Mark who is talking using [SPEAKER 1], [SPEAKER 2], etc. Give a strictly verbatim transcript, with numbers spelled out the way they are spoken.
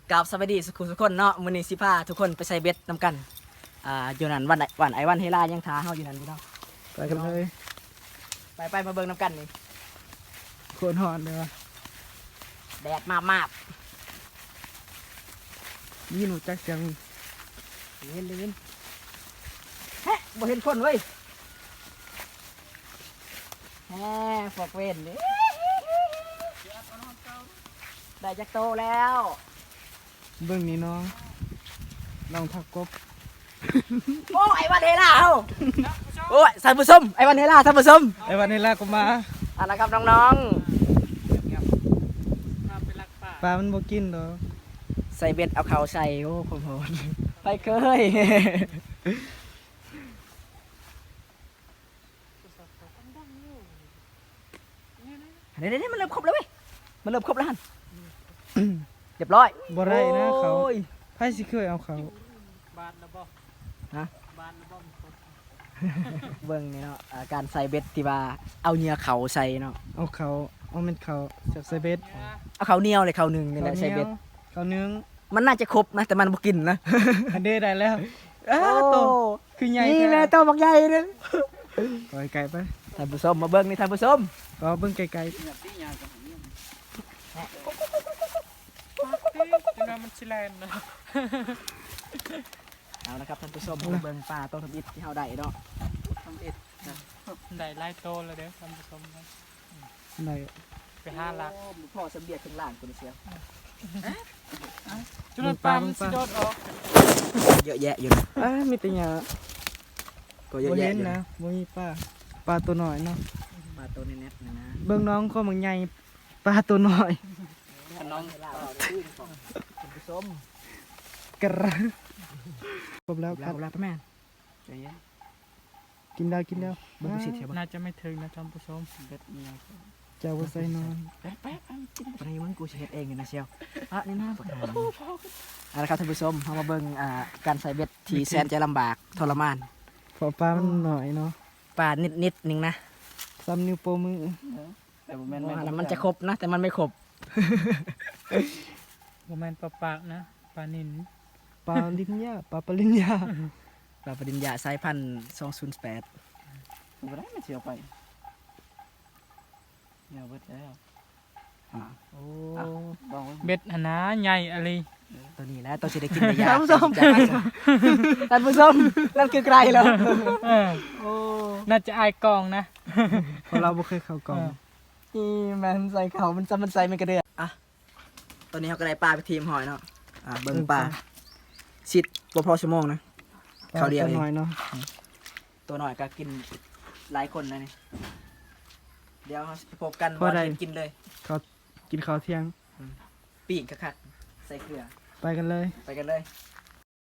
[SPEAKER 1] กับสวัสดีสุขุมทุกคนเนาะมื้อนี้สิพาทุกคนไปใส่เบ็ดนำกันอ่าอยู่นั่นวันไหนวันไอวันเฮล่ายังท้าเฮาอยู่นั่นพี่น้อง
[SPEAKER 2] ไปกันเลย
[SPEAKER 1] ไปไปมาเบิ่งนำกันนี่
[SPEAKER 2] โคตรหอนเลยวะ
[SPEAKER 1] แดดมามาบ
[SPEAKER 2] นี่หนูจักเสียง
[SPEAKER 1] เล่นเล่นฮะบ่เห็นคนเว้ยแฮฟอกเว้นนี่ได้จักโตแล้ว
[SPEAKER 2] เบื้องนี้น้องน้องทักกบ
[SPEAKER 1] โอ้ไอวันเฮล่าเฮาโอ้ยท่านผู้ชมไอวันเฮล่าท่านผู้ชม
[SPEAKER 2] ไอ้วันนี้ลากก็มา
[SPEAKER 1] เอ่ะนะครับน้อง
[SPEAKER 2] ปลามันบ่กินดอก
[SPEAKER 1] ๆใส่เบ็ดเอาเขาใส่โอ้ผมโหดไปเคย เดี๋ยวเดี๋ยวมันเริ่มครบแล้วเว้ยมันเริ่มครบแล้วฮันเรียบร้อย
[SPEAKER 2] บ่ได้นะเขา
[SPEAKER 1] โอ้ย
[SPEAKER 2] ไผสิเคยเอาเขา
[SPEAKER 3] บานนะบ่
[SPEAKER 1] ฮะ
[SPEAKER 3] บานนะบ่มันครบ
[SPEAKER 1] เบิ่งนี่เนาะอ่าการใส่เบ็ดที่ว่าเอาเหงื่อเขาใส่เนาะ
[SPEAKER 2] เอาเขาเอาเม็ดเขาจากใส่เบ็ด
[SPEAKER 1] เอาเขาเหนียวเลยเขาหนึ่งนี่แหละใส่เบ็ด
[SPEAKER 2] เขาเนื้อง
[SPEAKER 1] มันน่าจะครบนะแต่มันบ่กินนะ
[SPEAKER 2] อันเด้ได้แล้วอ้า
[SPEAKER 1] โอ้
[SPEAKER 2] โตคือใหญ่
[SPEAKER 1] นี่
[SPEAKER 2] แท้
[SPEAKER 1] แหละตัวบักใหญ่เลย
[SPEAKER 2] ปล่อยไก่ไป
[SPEAKER 1] ท่านผู้ชมมาเบิ่งนี่ท่านผู้ชม
[SPEAKER 2] ก็เบิ่งไกล
[SPEAKER 3] จังว่ามันสิแลนนะ
[SPEAKER 1] เอาละครับท่านผู้ชมมาเบิ่งปลาต้นทบิดที่เฮาได้เนาะ
[SPEAKER 3] ทำอิดนะได้หลายโตแล้วเด้อท่านผู้ชมนะ
[SPEAKER 2] ๆได้
[SPEAKER 3] ไปหาหลัก
[SPEAKER 1] โอ้พ่อสำเบียดข้างล่างคนเสีย
[SPEAKER 3] จุลปลามันสิโดดออก
[SPEAKER 1] เยอะแยะอยู่นะ
[SPEAKER 2] อ้ามีแต่หญ้า
[SPEAKER 1] ก็เยอะ
[SPEAKER 2] บ่
[SPEAKER 1] แยะ
[SPEAKER 2] เห็น
[SPEAKER 1] อยู่
[SPEAKER 2] นะ
[SPEAKER 1] นะ
[SPEAKER 2] บ่มีปลาปลาตัวน้อยเนาะ
[SPEAKER 1] ปลาตัวนี้แน่ๆนะนะ
[SPEAKER 2] เบิ่งน้องก็มันใหญ่ปลาตัวน้อย
[SPEAKER 1] น้องท่านผู้ชม
[SPEAKER 2] กระครบแล้วค
[SPEAKER 1] แล้
[SPEAKER 2] รั
[SPEAKER 1] ว
[SPEAKER 2] บ
[SPEAKER 1] แล้วพ่อแม่ใจเย็น
[SPEAKER 2] กินแล้วกินแล้ว
[SPEAKER 1] เบิ่งดูสิเทียบ
[SPEAKER 3] น่าจะไม่ถึงนะท่านผู้ชม
[SPEAKER 1] เบ็ดเมีย
[SPEAKER 2] เจ้าว่าใส่นอน
[SPEAKER 1] แป๊บแป๊บปนี้มึงกูจะเฮ็ดเองเลยนะเชียวอ่ะนี่น่าปวดหัวเอาละครับท่านผู้ชมเฮามาเบิ่งอ่าการใส่เบ็ดที่แสนจะลำบากทรมาน
[SPEAKER 2] เพอปลามันหน่อยเนาะ
[SPEAKER 1] ปลานิดๆนึงนะ
[SPEAKER 2] ซ้ำนิ้วโป้งมือ
[SPEAKER 1] แต่บ่แม่นๆมันจะครบนะแต่มันไม่ครบ
[SPEAKER 3] บ่แม่นปลาปากนะปลานิน
[SPEAKER 2] ปลาลิ้นยาปลาปลาลิ้นยา
[SPEAKER 1] ปลาปริญญาสายพันธุ์สองศูนย์แปดบ่ได้มันเสียวไปเนี่ยเบิดแล้วอ่า
[SPEAKER 3] โอ้
[SPEAKER 1] บอกไว้
[SPEAKER 3] เบ็ดหนนาใหญ่อะไร
[SPEAKER 1] ตัวนี้แหล้วตัวสิได้กินได้ยากท่านผู้ชมท่านผู้ชมนั่นคือไกลแล้ว
[SPEAKER 3] เออ
[SPEAKER 1] โอ้
[SPEAKER 3] น่าจะอายกองนะ
[SPEAKER 2] เพราะเราบ่เคยเข้ากล่อง
[SPEAKER 1] นี่มันใส่เขามันจะมันใส่มันกระเดือกอ่ะตอนนี้เขาก็ได้ปลาไปทีมหอยเนาะอ่ะเบิ่งปลาชิดบ่พอชั่วโมงนะ เขาเดียวเอง
[SPEAKER 2] ปลาตัวน้อยเนาะ
[SPEAKER 1] ตัวหน่อยก็กินหลายคนนะนี่เดี๋ยวเราจะพบกันว่าเห็นกินเลย
[SPEAKER 2] เขากินข้าวเที่ยง
[SPEAKER 1] ปีกกระคัดใส่เกลือ
[SPEAKER 2] ไปกันเลย
[SPEAKER 1] ไปกันเลย